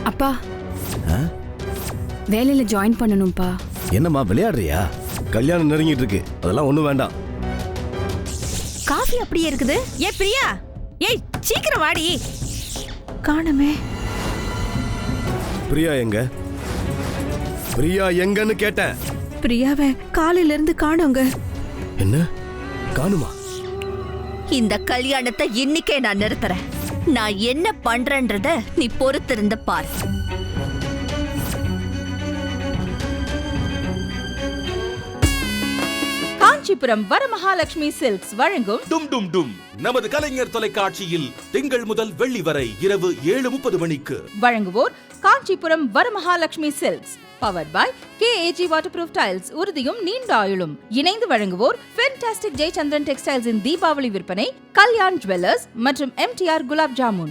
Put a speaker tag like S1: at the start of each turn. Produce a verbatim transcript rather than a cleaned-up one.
S1: அப்பா வேலையில ஜாயின் பண்ணணும்பா.
S2: என்னம்மா விளையாடுறியா? கல்யாணம் நெருங்கிட்டு இருக்கு, அதெல்லாம் ஒண்ணும் வேண்டாம்.
S3: காஃபி அப்படியே இருக்குது. ஏ பிரியா, ஏய் சீக்கிரம் வாடி.
S1: காணமே.
S2: பிரியா எங்க? பிரியா எங்கன்னு கேட்டேன்.
S1: பிரியாவை காலையில இருந்து காணோங்க.
S2: என்ன காணுமா?
S3: இந்த கல்யாணத்தை இன்னைக்கே நான் நிறுத்துறேன். நான் என்ன பண்றேன்றத நீ பொறுத்திருந்து பாரு.
S4: காஞ்சிபுரம் வரமகாலட்சுமி சில்க்ஸ் வழங்கும்
S5: டும் டும் டும் நமது கலைஞர் தொலைக்காட்சியில் திங்கள் முதல் வெள்ளி வரை இரவு ஏழு முப்பது மணிக்கு.
S4: வழங்குவோர் Kanchipuram Varamahalakshmi silks. Powered by K A G waterproof tiles. உறுதியும் நீண்ட ஆயுளும். இணைந்து வழங்குவோர் ஃபென்டாஸ்டிக் ஜெயச்சந்திரன் டெக்ஸ்டைல்ஸின் தீபாவளி விற்பனை, கல்யாண் ஜுவல்லர்ஸ் மற்றும் M T R gulab jamun.